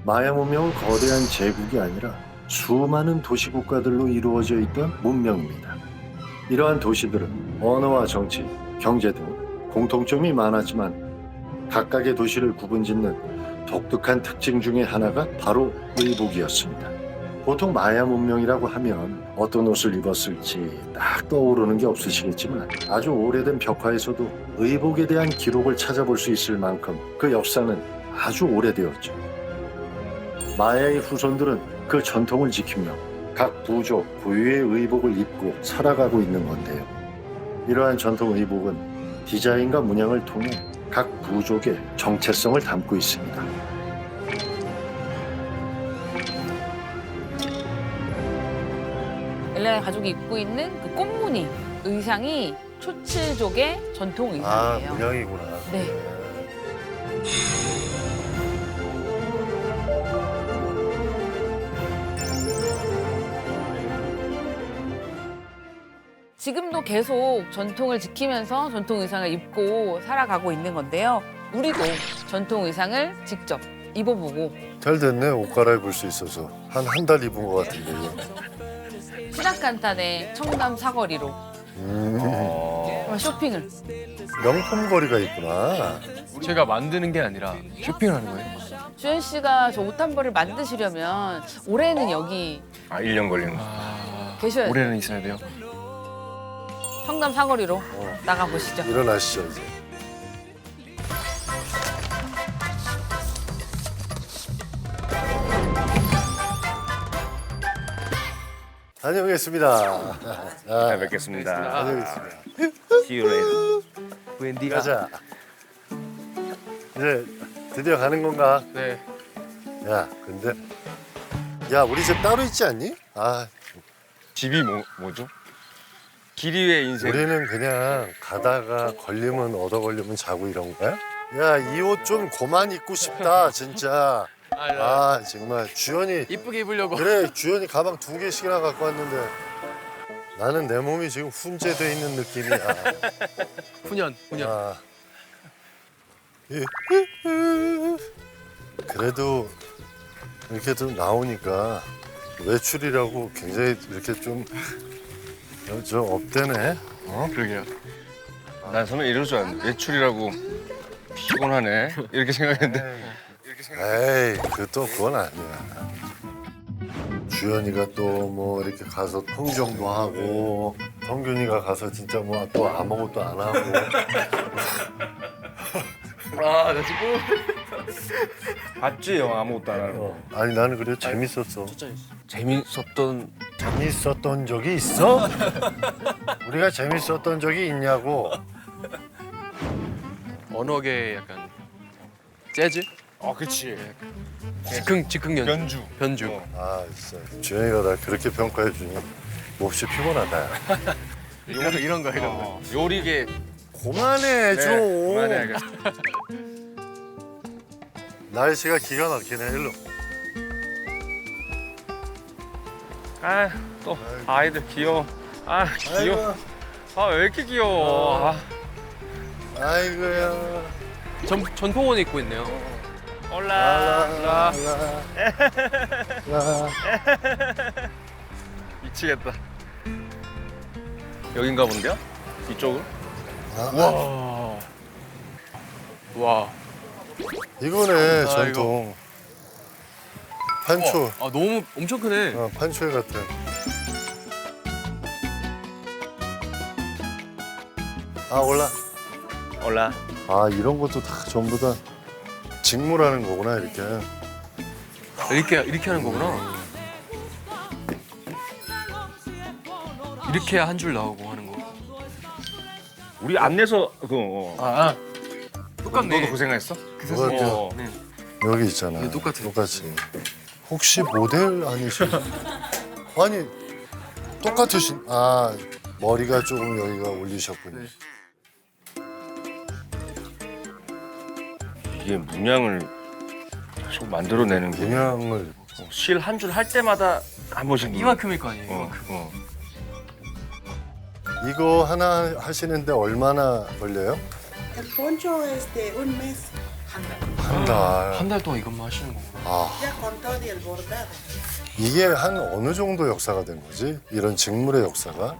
마야 문명은 거대한 제국이 아니라 수많은 도시국가들로 이루어져 있던 문명입니다. 이러한 도시들은 언어와 정치, 경제 등 공통점이 많았지만 각각의 도시를 구분짓는 독특한 특징 중에 하나가 바로 의복이었습니다. 보통 마야 문명이라고 하면 어떤 옷을 입었을지 딱 떠오르는 게 없으시겠지만 아주 오래된 벽화에서도 의복에 대한 기록을 찾아볼 수 있을 만큼 그 역사는 아주 오래되었죠. 마야의 후손들은 그 전통을 지키며 각 부족 고유의 의복을 입고 살아가고 있는 건데요. 이러한 전통 의복은 디자인과 문양을 통해 각 부족의 정체성을 담고 있습니다. 엘레나 가족이 입고 있는 그 꽃무늬 의상이 초츠족의 전통 의상이에요. 문양이구나. 네. 지금도 계속 전통을 지키면서 전통 의상을 입고 살아가고 있는 건데요. 우리도 전통 의상을 직접 입어보고 잘 됐네. 옷 갈아입을 수 있어서 한 달 입은 것 같은데. 시작간단의 청담 사거리로 정말 쇼핑을. 명품 거리가 있구나. 제가 만드는 게 아니라 쇼핑을 하는 거예요. 주현 씨가 저 옷 한 벌을 만드시려면 올해는 여기 1년 걸리는 거. 계셔야 돼요. 올해는 있어야 돼요. 청담 사거리로 나가보시죠. 일어나시죠 이제. 다녀오겠습니다. 잘 뵙겠습니다. 다녀오겠습니다. See you later. 웬디가. 가자. 이제 드디어 가는 건가? 네. 야, 근데 야, 우리 집 따로 있지 않니? 아, 집이 뭐죠? 길 위의 인생. 우리는 그냥 가다가 걸리면 얻어 걸리면 자고 이런 거야? 야, 이 옷 좀 그만 입고 싶다, 진짜. 아, 정말 주연이 이쁘게 입으려고. 그래, 주연이 가방 2개씩이나 갖고 왔는데 나는 내 몸이 지금 훈제돼 있는 느낌이야. 훈연. 아. 그래도 이렇게 좀 나오니까 외출이라고 굉장히 이렇게 좀 업되네. 그러게요. 난 처음에 이럴 줄 알았는데 외출이라고 피곤하네 이렇게 생각했는데 에이, 그건 아니야. 주연이가 또 뭐 이렇게 가서 흥정도 하고 성균이가 가서 진짜 뭐 또 아무것도 안 하고. 아, 나 지금 봤지 영화 아무것도 안 하고. 아니 나는 그래 재밌었어. 재밌었던 적이 있어? 우리가 재밌었던 적이 있냐고. 언어계 약간 재즈? 그치. 즉흥 연주. 변주. 아 진짜 주연이가 나 그렇게 평가해 주니 몹시 피곤하다. 이런 거. 요리계. 그만해 좀. 그만해 알겠어. 날씨가 기가 막히네. 일로. 또 아이들 귀여워. 귀여워. 왜 이렇게 귀여워. 아이고야. 전통원 입고 있네요. 올라. 라. 미치겠다. 여긴가 본데요? 이쪽은? 와. 이거네 전통. 판초. 너무 엄청 크네. 판초에 같은. 올라. 올라. 이런 것도 다 전부 다 직무라는 거구나 이렇게. 이렇게 하는 거구나. 이렇게 해야 한 줄 나오고 하는 거. 우리 안내서 똑같네. 너도 고생했어? 뭐가 네. 여기 있잖아. 네, 똑같아. 똑같이. 혹시 모델 아니신? 아니 똑같으신. 머리가 조금 여기가 올리셨군요. 네. 이게 문양을 계속 만들어내는 게 문양을 실 한 줄 할 때마다 한 번씩 이만큼일 거 아니에요. 이만큼. 이거 하나 하시는데 얼마나 걸려요? El poncho un mes. 한 한 달. 한 달 동안 이것만 하시는 거구나. 아. 이게 한 어느 정도 역사가 된 거지? 이런 직물의 역사가?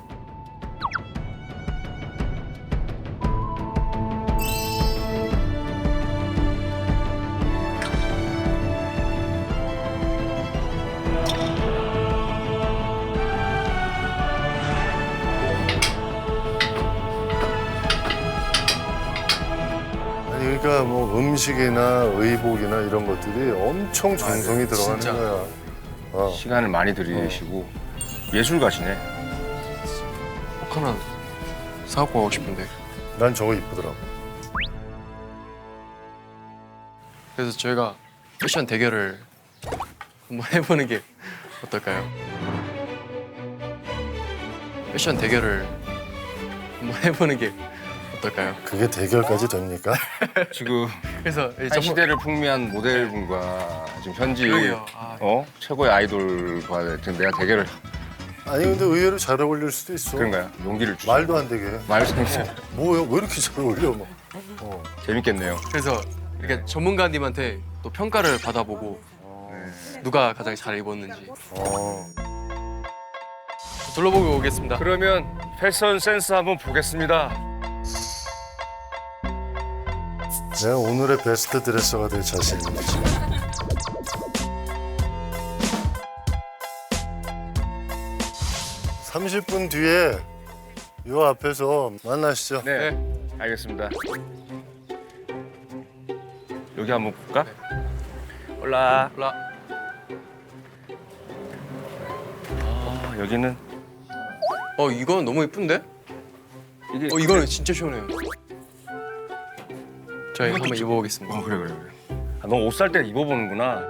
아니 그러니까 뭐 음식이나 의복이나 이런 것들이 엄청 정성이 들어가는 진짜. 거야. 어. 시간을 많이 들이시고 예술가시네. 꼭 하나 사갖고 가고 싶은데. 난 저거 이쁘더라고. 그래서 저희가 패션 대결을 한번 해보는 게 어떨까요? 패션 대결을 한번 해보는 게 어떨까요? 그게 대결까지 됩니까? 지금 그래서 한 시대를 풍미한 모델분과 지금 현지 그러게요. 아, 최고의 아이돌과 지금 내가 대결을 아니 근데 의외로 잘 어울릴 수도 있어. 그런가요? 용기를 주시고 말도 안 되게. 말씀해서 뭐야? 왜 이렇게 잘 어울려? 뭐. 재밌겠네요. 그래서 이렇게 전문가님한테 또 평가를 받아보고 누가 가장 잘 입었는지 어. 둘러보고 오겠습니다. 그러면 패션 센스 한번 보겠습니다. 내가 오늘의 베스트 드레서가 될 자신이 있지. (30분) 뒤에 요 앞에서 만나시죠. 네, 알겠습니다. 여기 한번 볼까? 올라. 올라. 아, 여기는 이건 너무 예쁜데? 이게 이거는 진짜 시원해요. 저희 한번 입어보겠습니다. 그래. 아, 너 옷 살 때 입어보는구나.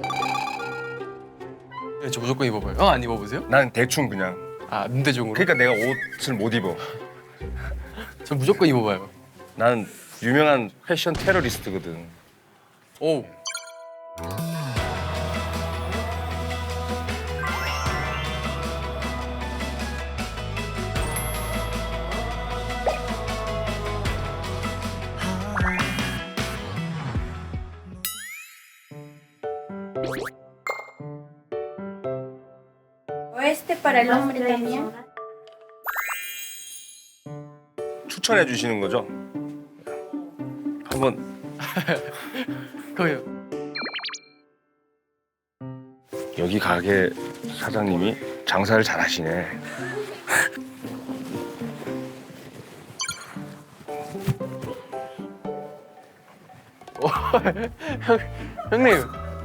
네, 저 무조건 입어봐요. 안 입어보세요? 난 대충 그냥. 눈대중으로? 그러니까 내가 옷을 못 입어. 저 무조건 입어봐요. 나는 유명한 패션 테러리스트거든. 오. Oeste para el hombre también. 추천해 주시는 거죠? 한번 거예요. 여기 가게 사장님이 장사를 잘 하시네. 형님.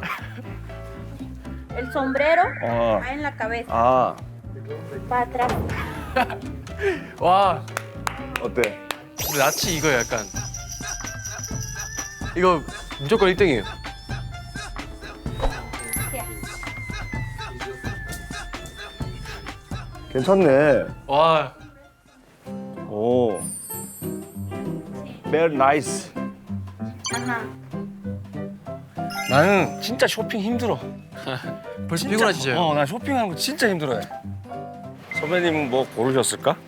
El sombrero 아, va en la cabeza, 아 para atrás. 와. 어때? 근데 낯이 이거 약간. 이거 무조건 1등이에요. 괜찮네. 와. 오. Very nice. Ajá. 나는 진짜 쇼핑 힘들어. 벌써 진짜. 피곤하시죠? 나 쇼핑하는 거 진짜 힘들어해. 선배님은 뭐 고르셨을까?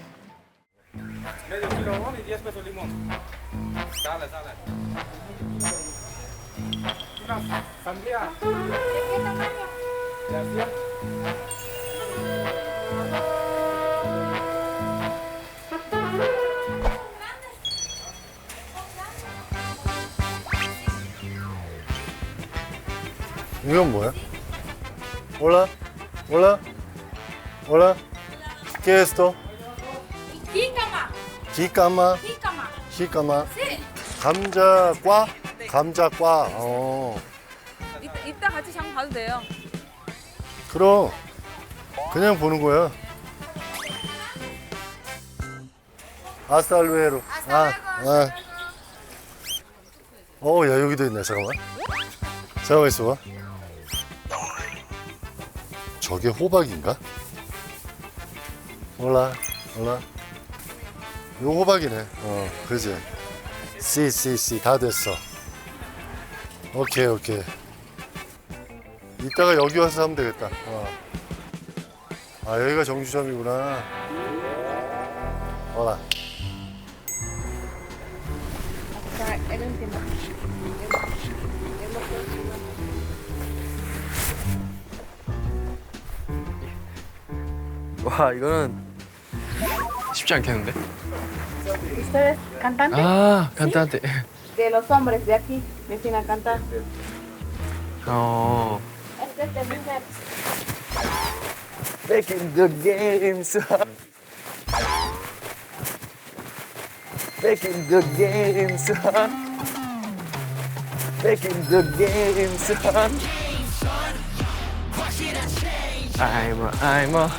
이건 뭐야? Hola, hola, hola. ¿Qué es esto? Jícama, 기까마, jícama. 히까마. Sí. 감자과, 감자과. 이따 같이 장 봐도 돼요. 그럼 그냥 보는 거야. 아스탈루에로. 야 여기도 있네. 잠깐만. 잠깐만 있어봐. 저게 호박인가? 몰라. 이거 호박이네. 그지. C 다 됐어. 오케이. 이따가 여기 와서 하면 되겠다. 여기가 정주점이구나. hola. Acá, el último. 와 이거는 쉽지 않겠는데? ¿Usted es cantante? 아 간단한데. De los hombres de aquí, me enseñan a cantar. 어. Este es de mujer. Making the games. Making the games. Making the games. I'm a.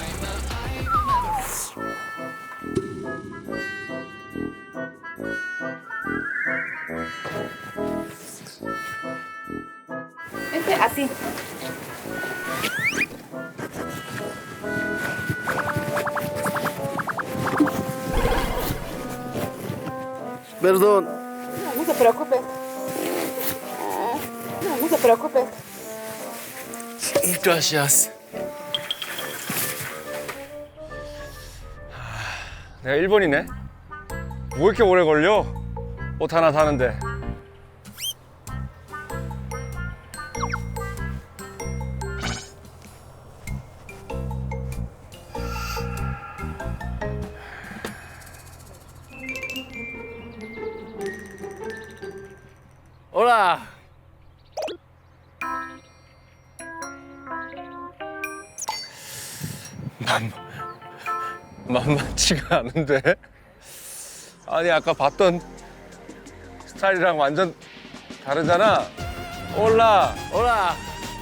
Este así. Perdón. No se preocupe. No se preocupe. Gracias. 내가 일본이네. 뭐 이렇게 오래 걸려? 옷 하나 사는데. Hola. 만만치가 않은데? 아니 아까 봤던 스타일이랑 완전 다르잖아. 올라. Hola.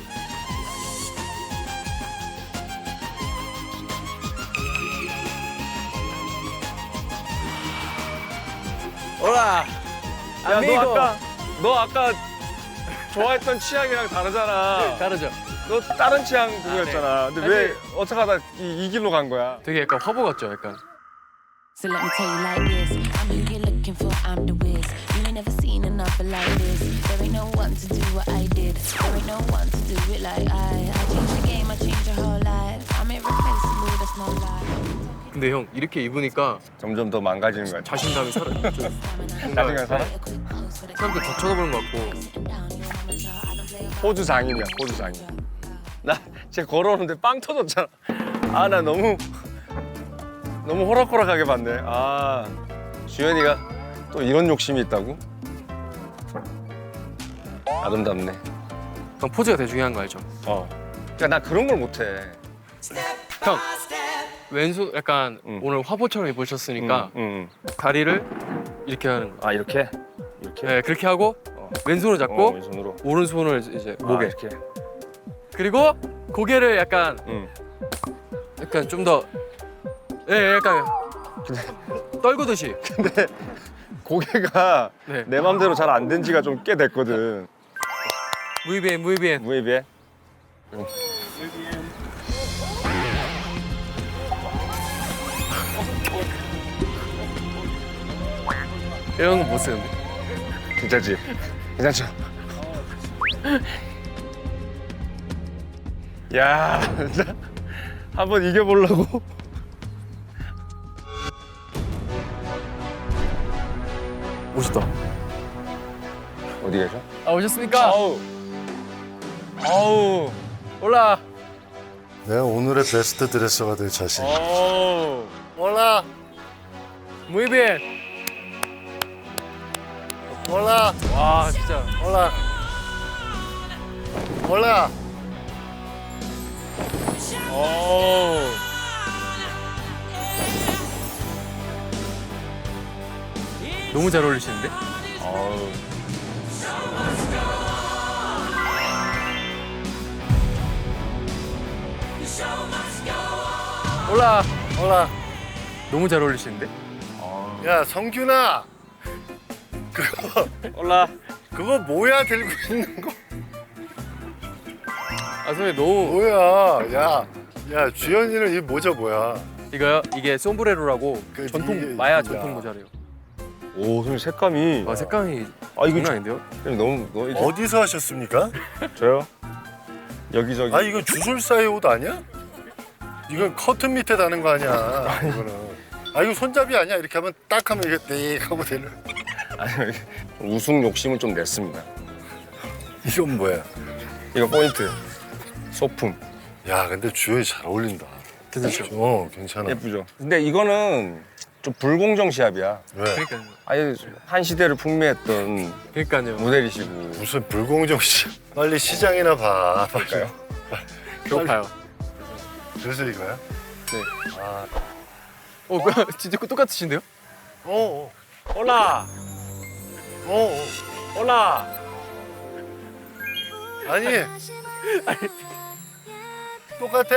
Hola. 야, Amigo. 너 아까 좋아했던 취향이랑 다르잖아. 다르죠? 너 다른 취향 그거였잖아. 근데 왜 어떻게 하다 이 길로 간 거야? 되게 약간 화보 같죠, 약간. So let me tell you like this. I'm who you're looking for, I'm the whiz. You ain't never seen another like this. There ain't no one to do what I did. There ain't no one to do it like I changed the game, I changed your whole life. I'm irreplaceable, that's no lie. 근데 형 이렇게 입으니까 점점 더 망가지는 거야. 자신감이 살아. 좀 자신감 살아? 사람들 더 쳐다보는 것 같고. 호주 장인이야, 호주 장인. 나 진짜 걸어오는데 빵 터졌잖아. 아, 나 너무 호락호락하게 봤네. 아, 주연이가 또 이런 욕심이 있다고? 아름답네. 형 포즈가 되게 중요한 거 알죠? 그러니까 나 그런 걸 못해. 형 왼손 약간 응. 오늘 화보처럼 입으셨으니까 응. 다리를 이렇게 하는 거. 아, 이렇게? 이렇게? 네, 그렇게 하고 왼손을 잡고 왼손으로. 오른손을 이제 목에. 이렇게. 그리고 고개를 약간 응. 좀 더 약간 떨구듯이. 근데 고개가 네. 내 맘대로 잘 안 된 지가 좀 꽤 됐거든. Muy bien, muy bien. Muy bien. 이런 거 못 쓰는데. 괜찮지? 괜찮죠? 야, 진짜 한번 이겨보려고. 멋있다. 어디 계셔? 아 오셨습니까? 아우. 올라. 내가 오늘의 베스트 드레서가 될 자신. 아우. 올라, Muy bien. 올라, 와 진짜. 올라, 올라. 아우. 너무 잘 어울리시는데? 아우. 올라. 올라. 너무 잘 어울리시는데? 야, 성균아. 올라. 그거 뭐야 들고 있는 거? 아 선생님 너무 뭐야? 야, 주연이는 이 모자 뭐야? 이거요? 이게 솜브레로라고 그 전통 이게- 마야 야. 전통 모자래요. 오, 선생님 색감이. 아 색감이 아, 이거 장난 아닌데요? 너무 이제 어디서 하셨습니까? 저요? 여기저기. 아, 이거 주술사의 옷 아니야? 이건 커튼 밑에 다는 거 아니야? 이거는. 아, 이거 손잡이 아니야? 이렇게 하면 딱 하면 이렇게 땡 하고 되는. 아니, 우승 욕심을 좀 냈습니다. 이건 뭐야? 이거 포인트. 소품. 야, 근데 주연이 잘 어울린다. 어, 괜찮아. 예쁘죠. 근데 이거는 좀 불공정 시합이야. 왜? 그러니까요. 아예 한 시대를 풍미했던 그러니까요. 모델이시고. 무슨 불공정 시? 빨리 시장이나 봐. 그럴까요? 배고파요. 그래서 이거야? 네. 아, 뭐야? 진짜 똑같으신데요? 어, 올라 어. 올라 아니, 똑같아.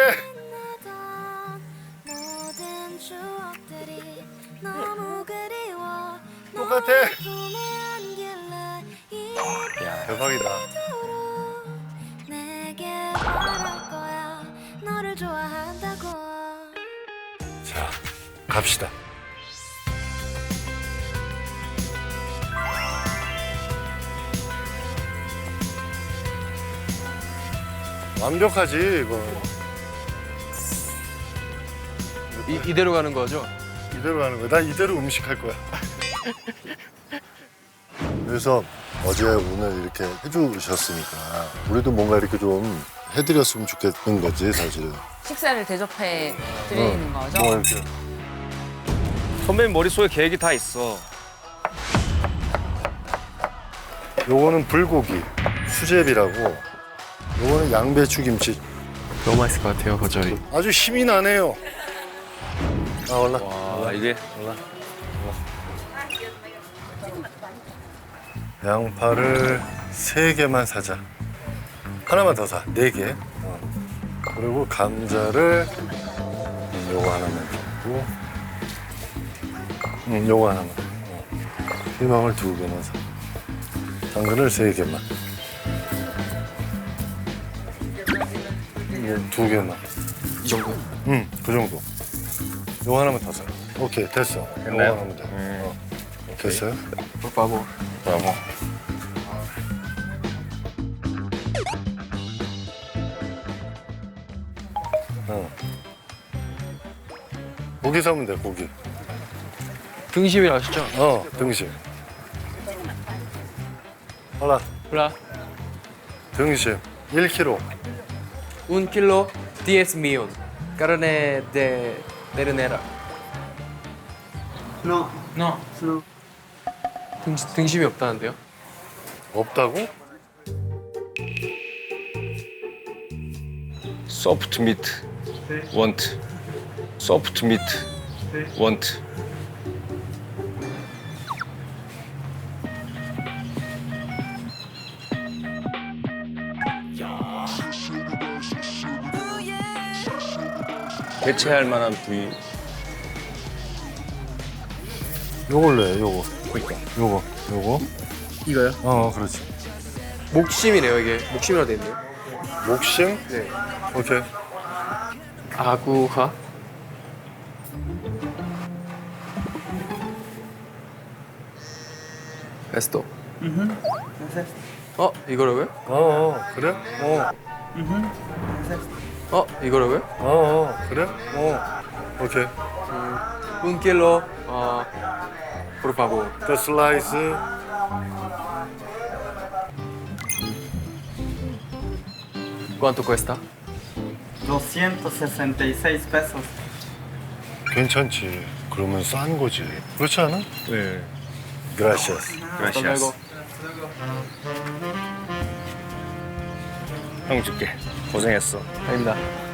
똑같아. 야, 대박이다. 자, 갑시다. 완벽하지 이거. 이대로 가는 거죠? 이대로 하는 거야. 나 이대로 음식할 거야. 그래서 어제 오늘 이렇게 해주셨으니까 우리도 뭔가 이렇게 좀 해드렸으면 좋겠는 거지 사실은. 식사를 대접해 드리는 거죠. 뭐 이렇게. 선배님 머릿속에 계획이 다 있어. 요거는 불고기, 수제비라고. 요거는 양배추 김치. 너무 맛있을 것 같아요, 거절이. 아주 힘이 나네요. 아 올라. 와 이게 양파를 3개만 사자. 하나만 더 사. 4개. 그리고 감자를 요거 하나만 주고. 요거 하나만. 희망을 2개만 사. 당근을 3개만. 2개만. 이 정도요? 그 정도. 요거 하나만 더 사. 오케이, 됐어. 요거 됐나요? 하나만 더. 됐어요? 바보. 브라보. 고기 사면 돼, 고기. 등심이라 하시죠? 등심. 하나, Hola, 등심. 1kg. 1 kilo 10 millón. Carne de ternera. No. 등심이 없다는데요? 없다고? 소프트 미트 원트. 소프트 미트 원트. 대체할 만한 부위. 요걸로 해, 요거. 요거. 이거요? 그렇지. 목심이네요, 이게. 목심이라고 돼 있네요. 목심? 네. 오케이. 아구하. 에스토. 이거라고요? 그래? 이거라고요? 그래? 오케이. 1 kilo, por favor. The slice. ¿Cuánto cuesta? 266 pesos. 괜찮지. 그러면 싼 거지. 그렇지 않아? 네. Gracias. 그라시아스. 형 줄게. 고생했어. 아닙니다.